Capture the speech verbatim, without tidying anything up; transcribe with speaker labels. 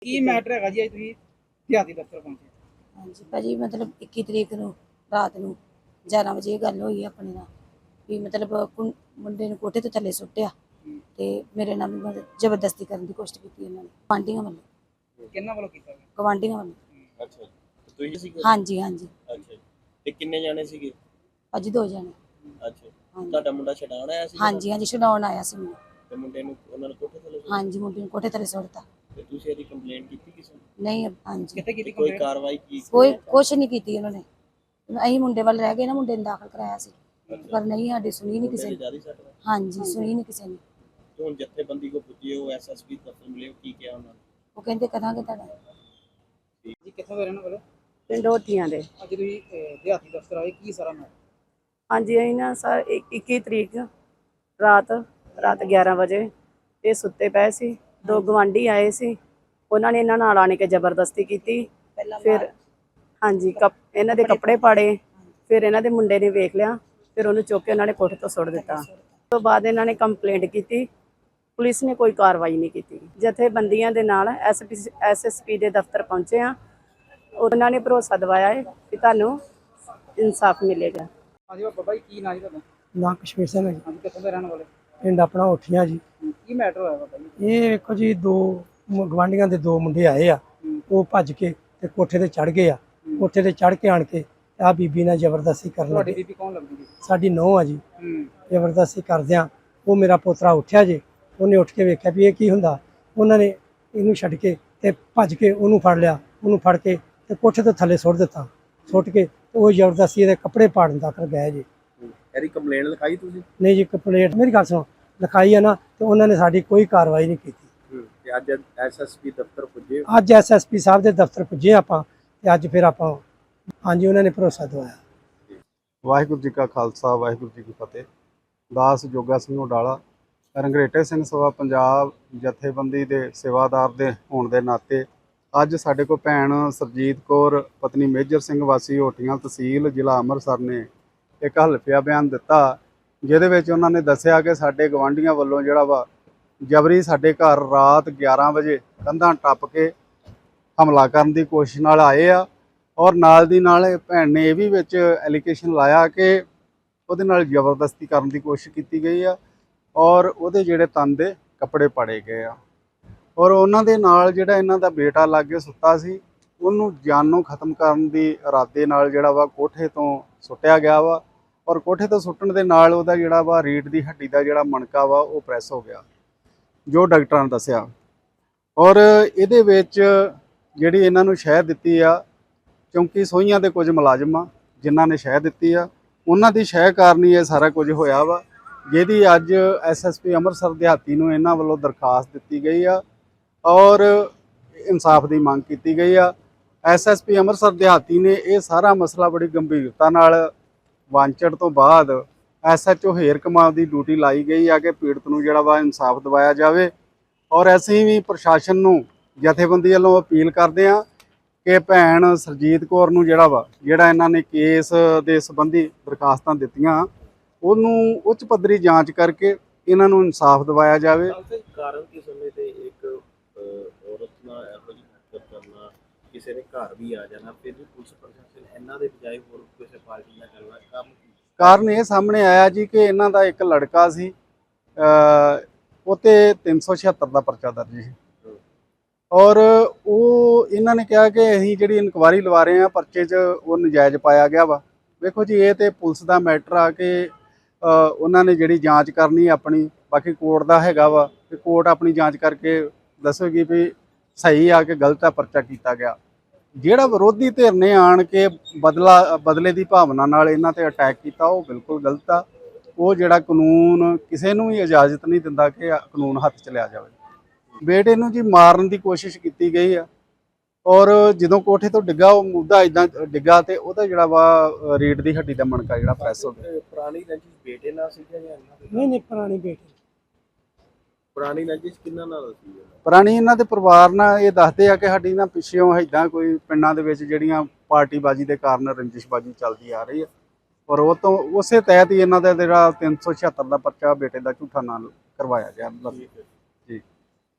Speaker 1: ਕੀ matter ਹੈਗਾ ਜੀ ਅੱਜ ਤੁਸੀਂ ਦਿਹਾਤੀ ਦਫ਼ਤਰ ਪਹੁੰਚੇ?
Speaker 2: ਹਾਂਜੀ ਭਾਜੀ ਮਤਲਬ ਇੱਕੀ ਤਰੀਕ ਨੂੰ ਰਾਤ ਨੂੰ ਗਿਆਰਾਂ ਵਜੇ ਇਹ ਗੱਲ ਹੋਈ ਆਪਣੇ ਨਾਲ ਵੀ ਮਤਲਬ ਕੁੰ- ਮੁੰਡੇ ਨੂੰ ਕੋਠੇ ਤੋਂ ਥੱਲੇ ਸੁੱਟਿਆ ਤੇ ਮੇਰੇ ਨਾਲ ਵੀ ਮਤਲਬ ਜ਼ਬਰਦਸਤੀ ਕਰਨ ਦੀ ਕੋਸ਼ਿਸ਼ ਕੀਤੀ ਇਹਨਾਂ ਨੇ ਗੁਆਂਢੀਆਂ ਵੱਲੋਂ
Speaker 1: ਕਿੰਨਾ ਵੱਲੋਂ ਕੀਤਾ ਗਿਆ?
Speaker 2: ਗੁਆਂਢੀਆਂ ਵੱਲੋਂ।
Speaker 3: ਅੱਛਾ ਤੇ ਤੁਸੀਂ ਸੀਗੇ?
Speaker 2: ਹਾਂਜੀ ਹਾਂਜੀ
Speaker 3: ਅੱਛਾ ਤੇ ਕਿੰਨੇ ਜਾਣੇ ਸੀਗੇ?
Speaker 2: ਭਾਜੀ ਦੋ ਜਣੇ।
Speaker 3: ਅੱਛਾ
Speaker 2: ਹਾਂਜੀ
Speaker 3: ਤੁਹਾਡਾ ਮੁੰਡਾ ਛਡਾਉਣ ਆਇਆ ਸੀ?
Speaker 2: ਹਾਂਜੀ ਹਾਂਜੀ ਛਡਾਉਣ ਆਇਆ ਸੀ ਮੈਨੂੰ।
Speaker 3: ਤੇ ਮੁੰਡੇ ਨੂੰ ਉਹਨਾਂ ਨੇ ਕੋਠੇ ਥੱਲੇ ਸੁੱਟਿਆ?
Speaker 2: ਹਾਂਜੀ ਮੁੰਡੇ ਨੂੰ ਕੋਠੇ ਥੱਲੇ ਸੁੱਟਤਾ।
Speaker 3: ਤੇ ਤੁਸੀਂ ਇਹਦੀ ਕੰਪਲੇਂਟ ਕੀਤੀ ਕਿਸੇ ਨੂੰ?
Speaker 2: ਨਹੀਂ ਹਾਂਜੀ
Speaker 1: ਕਿੱਥੇ ਕੀਤੀ
Speaker 3: ਤੇ ਕੋਈ
Speaker 1: ਕੰਪਲੇਂਟ?
Speaker 3: ਕਾਰਵਾਈ ਕੀ?
Speaker 2: ਕੋਈ ਕੁਛ ਨਹੀਂ ਕੀਤੀ ਉਹਨਾਂ ਨੇ। ਅਸੀਂ ਮੁੰਡੇ ਵੱਲ ਰਹਿ ਗਏ ਨਾ, ਮੁੰਡੇ ਨੂੰ ਦਾਖਲ ਕਰਾਇਆ ਸੀ ਪਰ ਨਹੀਂ ਸਾਡੀ ਸੁਣੀ ਨਹੀਂ ਕਿਸੇ ਨੇ।
Speaker 3: ਜਿਆਦਾ ਸੱਟ ਲੱਗੀ?
Speaker 2: ਹਾਂਜੀ ਸੁਣੀ ਨਹੀਂ ਕਿਸੇ ਨੇ।
Speaker 3: ਤੇ ਹੁਣ ਜਥੇਬੰਦੀ ਕੋ ਪੁੱਜੇ ਹੋ, ਐਸਐਸਪੀ ਦਫ਼ਤਰ ਮਿਲੇ ਹੋ, ਕੀ ਕਿਹਾ ਉਹਨਾਂ ਨੇ?
Speaker 2: ਉਹ ਕਹਿੰਦੇ ਕਰਾਂਗੇ ਤੁਹਾਡਾ।
Speaker 1: ਜੀ ਕਿੱਥੋਂ ਦੇ ਰਹਿਣ ਵਾਲੇ?
Speaker 4: ਪਿੰਡ ਹੋਤੀਆਂ ਦੇ।
Speaker 1: ਅੱਜ ਤੁਸੀਂ ਅਹ, ਦਿਹਾਤੀ ਦਫ਼ਤਰ ਆਏ, ਕੀ ਸਾਰਾ ਮੈਟਰ?
Speaker 4: ਹਾਂਜੀ ਅਸੀਂ ਨਾ ਸਰ ਇੱਕੀ ਤਰੀਕ ਰਾਤ ਰਾਤ ਗਿਆਰਾਂ ਵਜੇ ਇਹ ਸੁੱਤੇ ਪਏ ਸੀ। ਦੋ ਗਵਾਂਢੀ ਆਏ ਸੀ, ਉਹਨਾਂ ਨੇ ਇਹਨਾਂ ਨਾਲ ਆਣ ਕੇ ਜ਼ਬਰਦਸਤੀ ਕੀਤੀ। ਫਿਰ ਹਾਂਜੀ ਕੱਪ ਇਹਨਾਂ ਦੇ ਕੱਪੜੇ ਪਾੜੇ। ਫਿਰ ਇਹਨਾਂ ਦੇ ਮੁੰਡੇ ਨੇ ਵੇਖ ਲਿਆ, ਫਿਰ ਉਹਨੂੰ ਚੁੱਕ ਕੇ ਉਹਨਾਂ ਨੇ ਕੋਠੇ ਤੋਂ ਸੁੱਟ ਦਿੱਤਾ। ਉਸ ਤੋਂ ਬਾਅਦ ਇਹਨਾਂ ਨੇ ਕੰਪਲੇਂਟ ਕੀਤੀ, ਪੁਲਿਸ ਨੇ ਕੋਈ ਕਾਰਵਾਈ ਨਹੀਂ ਕੀਤੀ। ਜਥੇਬੰਦੀਆਂ ਦੇ ਨਾਲ ਐਸਪੀ ਐਸਐਸਪੀ ਦੇ ਦਫ਼ਤਰ ਪਹੁੰਚੇ ਆ, ਉਹਨਾਂ ਨੇ ਭਰੋਸਾ ਦਿਵਾਇਆ ਹੈ ਕਿ ਤੁਹਾਨੂੰ ਇਨਸਾਫ ਮਿਲੇਗਾ।
Speaker 1: ਹਾਂਜੀ ਬਾਬਾ ਜੀ, ਕੀ ਨਾਂ ਜੀ ਤੁਹਾਡਾ?
Speaker 5: ਨਾ ਕਸ਼ਮੀਰ ਸਿੰਘ ਹੈ ਜੀ।
Speaker 1: ਹਾਂਜੀ ਕਿੱਥੋਂ ਦੇ ਰਹਿਣ ਵਾਲੇ?
Speaker 5: ਪਿੰਡ ਆਪਣਾ ਉੱਠੀਆਂ ਜੀ।
Speaker 1: ਕੀ ਮੈਟਰ ਹੋਇਆ ਬਾਬਾ ਜੀ?
Speaker 5: ਇਹ ਵੇਖੋ ਜੀ, ਦੋ ਮ- ਗਵਾਂਢੀਆਂ ਦੇ ਦੋ ਮੁੰਡੇ ਆਏ ਆ, ਉਹ ਭੱਜ ਕੇ ਤੇ ਕੋਠੇ ਤੇ ਚੜ ਗਏ ਆ। ਕੋਠੇ ਤੇ ਚੜ ਕੇ ਆਣ ਕੇ ਆ ਬੀਬੀ ਨਾਲ ਜ਼ਬਰਦਸਤੀ ਕਰਨ
Speaker 1: ਤੁਹਾਡੀ
Speaker 5: ਲੱਗੇ।
Speaker 1: ਬੀਬੀ ਕੌਣ ਲੱਗਦੀ ਜੀ?
Speaker 5: ਸਾਡੀ ਨੂੰਹ ਆ ਜੀ।
Speaker 1: ਹੂੰ
Speaker 5: ਜ਼ਬਰਦਸਤੀ ਕਰਦਿਆਂ ਉਹ ਮੇਰਾ ਪੋਤਰਾ ਉੱਠਿਆ ਜੇ, ਉਹਨੇ ਉੱਠ ਕੇ ਵੇਖਿਆ ਵੀ ਇਹ ਕੀ ਹੁੰਦਾ। ਉਹਨਾਂ ਨੇ ਇਹਨੂੰ ਛੱਡ ਕੇ ਤੇ ਭੱਜ ਕੇ ਉਹਨੂੰ ਫੜ ਲਿਆ। ਉਹਨੂੰ ਫੜ ਕੇ ਤੇ ਕੋਠੇ ਤੋਂ ਥੱਲੇ ਸੁੱਟ ਦਿੱਤਾ। ਸੁੱਟ ਕੇ ਉਹ ਜ਼ਬਰਦਸਤੀ ਇਹਦੇ ਕੱਪੜੇ ਪਾੜਨ ਤੱਕ ਗਏ ਜੀ।
Speaker 3: ਇਹਦੀ ਕੰਪਲੇਂਟ ਲਿਖਾਈ ਤੁਸੀਂ?
Speaker 5: ਨਹੀਂ ਜੀ, ਕੰਪਲੇਂਟ ਮੇਰੀ ਗੱਲ ਸੁਣੋ, ਲਿਖਾਈ ਆ ਨਾ, ਤੇ ਉਹਨਾਂ ਨੇ ਸਾਡੀ ਕੋਈ ਕਾਰਵਾਈ ਨਹੀਂ ਕੀਤੀ।
Speaker 3: ਤੇ ਅੱਜ ਐਸਐਸਪੀ ਦਫ਼ਤਰ ਪੁੱਜੇ?
Speaker 5: ਅੱਜ ਐਸਐਸਪੀ ਸਾਹਿਬ ਦੇ ਦਫ਼ਤਰ ਪੁੱਜੇ ਆਪਾਂ, ਤੇ ਅੱਜ ਫਿਰ ਆਪਾਂ ਹਾਂਜੀ ਉਹਨਾਂ ਨੇ ਭਰੋਸਾ ਦਵਾਇਆ।
Speaker 6: ਵਾਹਿਗੁਰੂ ਜੀ ਕਾ ਖਾਲਸਾ, ਵਾਹਿਗੁਰੂ ਜੀ ਕੀ ਫਤਿਹ। ਦਾਸ ਜੋਗਾ ਸਿੰਘ ਉਡਾਲਾ, ਰੰਗਰੇਟੇ ਸਿੰਘ ਸਭਾ ਪੰਜਾਬ ਜਥੇਬੰਦੀ ਦੇ ਸੇਵਾਦਾਰ ਦੇ ਹੋਣ ਦੇ ਨਾਤੇ ਅੱਜ ਸਾਡੇ ਕੋਲ ਭੈਣ ਸਰਜੀਤ ਕੌਰ ਪਤਨੀ ਮੇਜਰ ਸਿੰਘ ਵਾਸੀ ਹੋਟੀਆਂ ਤਹਿਸੀਲ ਜ਼ਿਲ੍ਹਾ ਅੰਮ੍ਰਿਤਸਰ ਨੇ ਇੱਕ ਹਲਫੀਆ ਬਿਆਨ ਦਿੱਤਾ, ਜਿਹਦੇ ਵਿੱਚ ਉਹਨਾਂ ਨੇ ਦੱਸਿਆ ਕਿ ਸਾਡੇ ਗਵਾਂਢੀਆਂ ਵੱਲੋਂ ਜਿਹੜਾ ਵਾ ਜਬਰੀ ਸਾਡੇ ਘਰ ਰਾਤ ਗਿਆਰਾਂ ਵਜੇ ਕੰਧਾਂ ਟੱਪ ਕੇ ਹਮਲਾ ਕਰਨ ਦੀ ਕੋਸ਼ਿਸ਼ ਨਾਲ ਆਏ ਆ। ਔਰ ਨਾਲ ਦੀ ਨਾਲ ਇਹ ਭੈਣ ਨੇ ਇਹ ਵੀ ਵਿੱਚ ਐਲੀਗੇਸ਼ਨ ਲਾਇਆ ਕਿ ਉਹਦੇ ਨਾਲ ਜ਼ਬਰਦਸਤੀ ਕਰਨ ਦੀ ਕੋਸ਼ਿਸ਼ ਕੀਤੀ ਗਈ ਆ ਔਰ ਉਹਦੇ ਜਿਹੜੇ ਤਨ ਦੇ ਕੱਪੜੇ ਪਾੜੇ ਗਏ ਆ। ਔਰ ਉਹਨਾਂ ਦੇ ਨਾਲ ਜਿਹੜਾ ਇਹਨਾਂ ਦਾ ਬੇਟਾ ਲਾਗੇ ਸੁੱਤਾ ਸੀ, ਉਹਨੂੰ ਜਾਨੋਂ ਖਤਮ ਕਰਨ ਦੀ ਇਰਾਦੇ ਨਾਲ ਜਿਹੜਾ ਵਾ ਕੋਠੇ ਤੋਂ ਸੁੱਟਿਆ ਗਿਆ ਵਾ। ਔਰ ਕੋਠੇ ਤੋਂ ਸੁੱਟਣ ਦੇ ਨਾਲ ਉਹਦਾ ਜਿਹੜਾ ਵਾ ਰੀੜ੍ਹ ਦੀ ਹੱਡੀ ਦਾ ਜਿਹੜਾ ਮਣਕਾ ਵਾ ਉਹ ਪ੍ਰੈਸ ਹੋ ਗਿਆ, ਜੋ ਡਾਕਟਰਾਂ ਨੇ ਦੱਸਿਆ। ਔਰ ਇਹਦੇ ਵਿੱਚ ਜਿਹੜੀ ਇਹਨਾਂ ਨੂੰ ਸ਼ਹਿ ਦਿੱਤੀ ਆ, ਕਿਉਂਕਿ ਸੋਹੀਆਂ ਦੇ ਕੁਝ ਮੁਲਾਜ਼ਮ ਆ ਜਿਨ੍ਹਾਂ ਨੇ ਸ਼ਹਿ ਦਿੱਤੀ ਆ, ਉਹਨਾਂ ਦੀ ਸ਼ਹਿ ਕਾਰਨ ਹੀ ਇਹ ਸਾਰਾ ਕੁਝ ਹੋਇਆ ਵਾ, ਜਿਹਦੀ ਅੱਜ ਐਸਐਸਪੀ ਅੰਮ੍ਰਿਤਸਰ ਦਿਹਾਤੀ ਨੂੰ ਇਹਨਾਂ ਵੱਲੋਂ ਦਰਖਾਸਤ ਦਿੱਤੀ ਗਈ ਆ ਔਰ ਇਨਸਾਫ ਦੀ ਮੰਗ ਕੀਤੀ ਗਈ ਆ। ਐਸਐਸਪੀ ਅੰਮ੍ਰਿਤਸਰ ਦਿਹਾਤੀ ਨੇ ਇਹ ਸਾਰਾ ਮਸਲਾ ਬੜੀ ਗੰਭੀਰਤਾ ਨਾਲ ਵਾਂਚੜ ਤੋਂ ਬਾਅਦ ਐਸਐਚਓ ਹੇਰ ਕਮਾਲ ਦੀ ਡਿਊਟੀ ਲਾਈ ਗਈ ਆ ਕਿ ਪੀੜਤ ਨੂੰ ਜਿਹੜਾ ਵਾ ਇਨਸਾਫ ਦਿਵਾਇਆ ਜਾਵੇ। ਔਰ ਅਸੀਂ ਵੀ ਪ੍ਰਸ਼ਾਸਨ ਨੂੰ ਜਥੇਬੰਦੀ ਵੱਲੋਂ ਅਪੀਲ ਕਰਦੇ ਹਾਂ ਕਿ ਭੈਣ ਸਰਜੀਤ ਕੌਰ ਨੂੰ ਜਿਹੜਾ ਵਾ ਜਿਹੜਾ ਇਹਨਾਂ ਨੇ ਕੇਸ ਦੇ ਸੰਬੰਧੀ ਦਰਖਾਸਤਾਂ ਦਿੱਤੀਆਂ, ਉਹਨੂੰ ਉੱਚ ਪੱਧਰੀ ਜਾਂਚ ਕਰਕੇ ਇਹਨਾਂ ਨੂੰ ਇਨਸਾਫ ਦਿਵਾਇਆ ਜਾਵੇ।
Speaker 3: ਕਾਰਨ ਕੀ ਸਮੇਂ ਤੇ ਇੱਕ ਔਰਤ ਨਾਲ ਇਹੋ ਜਿਹੀ ਹਰਕਤ ਕਰਨਾ, ਕਿਸੇ ਦੇ ਘਰ ਵੀ ਆ ਜਾਣਾ, ਫਿਰ ਵੀ ਪੁਲਿਸ ਪ੍ਰਸ਼ਾਸਨ ਇਹਨਾਂ ਦੇ ਬਜਾਏ ਹੋਰ ਕਿਸੇ ਪਾਰਟੀ ਨਾਲ ਕਰਨਾ ਕੰਮ ਕੀ?
Speaker 6: ਕਾਰਨ ਇਹ ਸਾਹਮਣੇ ਆਇਆ ਜੀ ਕਿ ਇਹਨਾਂ ਦਾ ਇੱਕ ਲੜਕਾ ਸੀ, ਉਹ 'ਤੇ ਤਿੰਨ ਸੌ ਛਿਹੱਤਰ ਦਾ ਪਰਚਾ ਦਰਜ ਸੀ ਔਰ ਉਹ ਇਹਨਾਂ ਨੇ ਕਿਹਾ ਕਿ ਅਸੀਂ ਜਿਹੜੀ ਇਨਕੁਆਇਰੀ ਲਵਾ ਰਹੇ ਹਾਂ ਪਰਚੇ 'ਚ ਉਹ ਨਜਾਇਜ਼ ਪਾਇਆ ਗਿਆ ਵਾ। ਵੇਖੋ ਜੀ, ਇਹ ਤਾਂ ਪੁਲਿਸ ਦਾ ਮੈਟਰ ਆ ਕਿ ਉਹਨਾਂ ਨੇ ਜਿਹੜੀ ਜਾਂਚ ਕਰਨੀ ਆਪਣੀ, ਬਾਕੀ ਕੋਰਟ ਦਾ ਹੈਗਾ ਵਾ ਕਿ ਕੋਰਟ ਆਪਣੀ ਜਾਂਚ ਕਰਕੇ ਦੱਸੇਗੀ ਵੀ ਸਹੀ ਆ ਕਿ ਗਲਤ ਆ ਪਰਚਾ ਕੀਤਾ ਗਿਆ। ਜਿਹੜਾ ਵਿਰੋਧੀ ਧਿਰ ਨੇ ਆਣ ਕੇ ਬਦਲਾ ਬਦਲੇ ਦੀ ਭਾਵਨਾ ਨਾਲ ਇਹਨਾਂ ਤੇ ਅਟੈਕ ਕੀਤਾ, ਉਹ ਬਿਲਕੁਲ ਗਲਤ ਆ। ਉਹ ਜਿਹੜਾ ਕਾਨੂੰਨ ਕਿਸੇ ਨੂੰ ਵੀ ਇਜਾਜ਼ਤ ਨਹੀਂ ਦਿੰਦਾ ਕਿ ਕਾਨੂੰਨ ਹੱਥ 'ਚ ਲਿਆ ਜਾਵੇ। ਬੇਟੇ ਨੂੰ ਜੀ ਮਾਰਨ ਦੀ ਕੋਸ਼ਿਸ਼ ਕੀਤੀ ਗਈ ਆ ਔਰ ਜਦੋਂ ਕੋਠੇ ਤੋਂ ਡਿੱਗਾ ਉਹ ਮੁੱਦਾ ਇਦਾਂ ਡਿੱਗਾ ਤੇ ਉਹਦਾ ਜਿਹੜਾ ਵਾ ਰੀੜ੍ਹ ਦੀ ਹੱਡੀ ਦਾ ਮਣਕਾ ਜਿਹੜਾ ਪ੍ਰੈਸ ਹੋ ਗਿਆ।
Speaker 3: ਪੁਰਾਣੀ ਰੰਜਿਸ਼ ਬੇਟੇ ਨਾਲ ਸੀ ਜਾਂ ਇਹਨਾਂ ਦੇ?
Speaker 5: ਨਹੀਂ ਨਹੀਂ, ਪੁਰਾਣੀ ਬੇਟੀ।
Speaker 3: ਪੁਰਾਣੀ ਰੰਜਿਸ਼ ਕਿਹਨਾਂ ਨਾਲ ਸੀ?
Speaker 6: ਪੁਰਾਣੀ ਇਹਨਾਂ ਦੇ ਪਰਿਵਾਰ ਨਾਲ ਇਹ ਦੱਸਦੇ ਆ ਕਿ ਸਾਡੀ ਨਾ ਪਿੱਛੋਂ ਇੱਦਾਂ ਕੋਈ ਪਿੰਡਾਂ ਦੇ ਵਿੱਚ ਜਿਹੜੀਆਂ ਪਾਰਟੀਬਾਜ਼ੀ ਦੇ ਕਾਰਨ ਰੰਜਿਸ਼ਬਾਜ਼ੀ ਚੱਲਦੀ ਆ ਰਹੀ ਹੈ ਔਰ ਉਹ ਤੋਂ ਉਸੇ ਤਹਿਤ ਹੀ ਇਹਨਾਂ ਦਾ ਜਿਹੜਾ ਤਿੰਨ ਸੌ ਛਿਹੱਤਰ ਦਾ ਪਰਚਾ ਬੇਟੇ ਦਾ ਝੂਠਾ ਨਾਂ ਕਰਵਾਇਆ ਗਿਆ।